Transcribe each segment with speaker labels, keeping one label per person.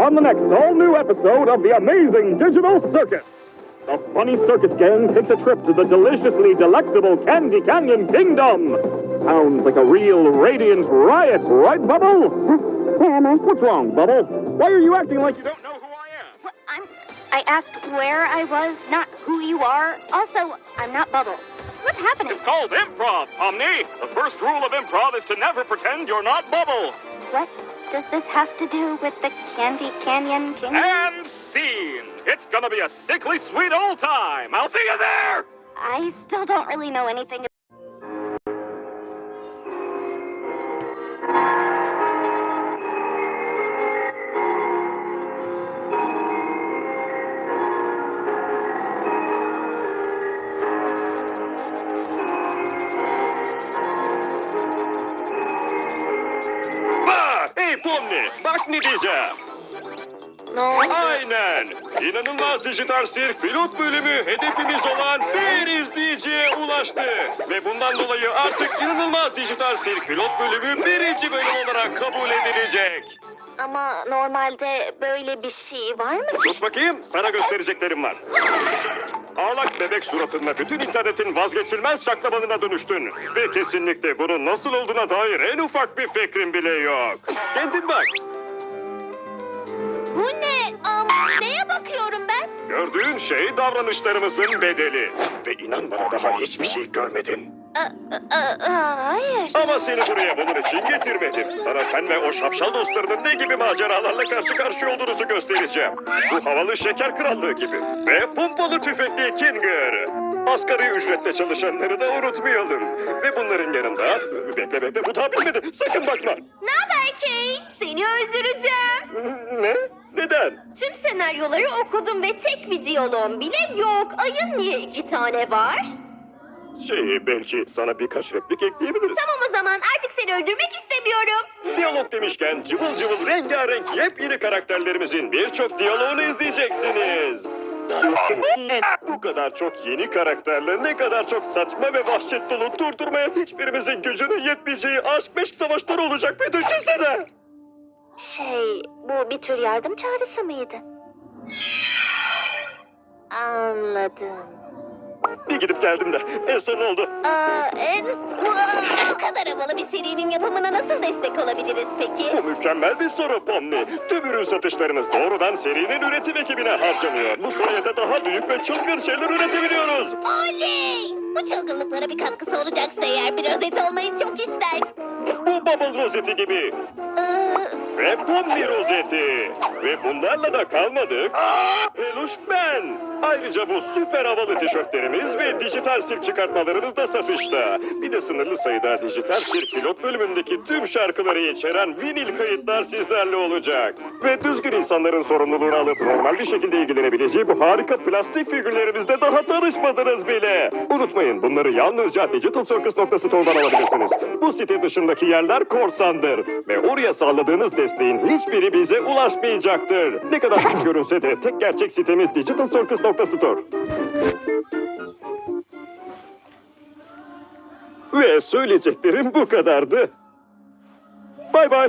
Speaker 1: on the next all-new episode of The Amazing Digital Circus. The funny circus gang takes a trip to the deliciously delectable Candy Canyon Kingdom. Sounds like a real radiant riot, right, Bubble?
Speaker 2: Where am I?
Speaker 1: What's wrong, Bubble? Why are you acting like you don't know who I am?
Speaker 2: Well, I asked where I was, not who you are. Also, I'm not Bubble. What's happening?
Speaker 1: It's called improv, Omni. The first rule of improv is to never pretend you're not Bubble.
Speaker 2: What does this have to do with the Candy Canyon Kingdom?
Speaker 1: And scene. It's gonna be a sickly sweet old time. I'll see you there.
Speaker 2: I still don't really know anything.
Speaker 3: Hey Pomni, bak ne diyeceğim.
Speaker 2: Ne oldu?
Speaker 3: Aynen. İnanılmaz Dijital Sirk pilot bölümü hedefimiz olan bir izleyiciye ulaştı. Ve bundan dolayı artık İnanılmaz Dijital Sirk pilot bölümü birinci bölüm olarak kabul edilecek.
Speaker 2: Ama normalde böyle bir şey var mı?
Speaker 3: Sus bakayım, sana göstereceklerim var. Ağlak bebek suratınla bütün internetin vazgeçilmez şaklabanına dönüştün. Ve kesinlikle bunun nasıl olduğuna dair en ufak bir fikrin bile yok. Kendin bak.
Speaker 2: Bu ne? Neye bakıyorum ben?
Speaker 3: Gördüğün şey davranışlarımızın bedeli. Ve inan bana daha hiçbir şey görmedin.
Speaker 2: Hayır.
Speaker 3: Ama seni buraya bunun için getirmedim. Sana sen ve o şapşal dostlarının ne gibi maceralarla karşı karşıya olduğunuzu göstereceğim. Bu havalı şeker krallığı gibi. Ve pompalı tüfekli Kinger. Asgari ücretle çalışanları da unutmayalım. Ve bunların yanında... Bekle bu daha bitmedi. Sakın bakma.
Speaker 2: Ne haber Kate? Seni öldüreceğim.
Speaker 3: Ne? Neden?
Speaker 2: Tüm senaryoları okudum ve tek bir diyaloğum bile yok. Ayın niye 2 tane var?
Speaker 3: Belki sana birkaç replik ekleyebiliriz.
Speaker 2: Tamam o zaman artık seni öldürmek istemiyorum.
Speaker 3: Diyalog demişken cıvıl cıvıl rengarenk yepyeni karakterlerimizin birçok diyaloğunu izleyeceksiniz. Bu kadar çok yeni karakterle ne kadar çok saçma ve vahşet dolu durdurmaya hiçbirimizin gücünün yetmeyeceği aşk meşk savaşları olacak bir düşünsene.
Speaker 2: Bu bir tür yardım çağrısı mıydı? Anladım.
Speaker 3: Bir gidip geldim de en son ne oldu?
Speaker 2: Bu kadar havalı bir serinin yapımına nasıl destek olabiliriz peki?
Speaker 3: Bu mükemmel bir soru Pomni. Tüm ürün satışlarımız doğrudan serinin üretim ekibine harcanıyor. Bu sayede daha büyük ve çılgın şeyler üretebiliyoruz.
Speaker 2: Oley! Bu çılgınlıklara bir katkısı olacaksa eğer bir rozet olmayı çok ister.
Speaker 3: Bu Bubble rozeti gibi. Ve Pomni rozeti. Ve bunlarla da kalmadık. Peluş ben. Ayrıca bu süper havalı tişörtlerimiz ve dijital sirk çıkartmalarımız da satışta. Bir de sınırlı sayıda dijital sirk pilot bölümündeki tüm şarkıları içeren vinil kayıtlar sizlerle olacak. Ve düzgün insanların sorumluluğunu alıp normal bir şekilde ilgilenebileceği bu harika plastik figürlerimizde daha tanışmadınız bile. Unutmayın bunları yalnızca digitalcircus.store'dan alabilirsiniz. Bu site dışındaki yerler korsandır. Ve oraya sağladığınız desteğin hiçbiri bize ulaşmayacaktır. Ne kadar küçük görünse de tek gerçek sitemiz digitalcircus.store. Ve söyleyeceklerim bu kadardı. Bay bay.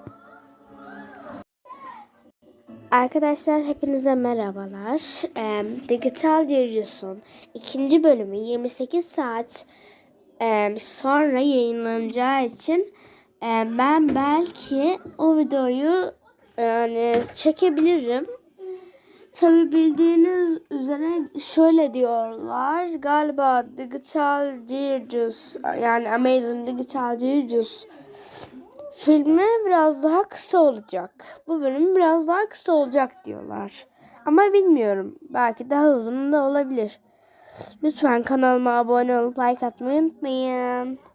Speaker 4: Arkadaşlar hepinize merhabalar. Digital Circus'un 2. bölümü 28 saat sonra yayınlanacağı için ben belki o videoyu çekebilirim. Tabi bildiğiniz üzere şöyle diyorlar. Galiba Digital Circus yani Amazing Digital Circus filmi biraz daha kısa olacak. Bu bölüm biraz daha kısa olacak diyorlar. Ama bilmiyorum. Belki daha uzun da olabilir. Lütfen kanalıma abone olup like atmayı unutmayın.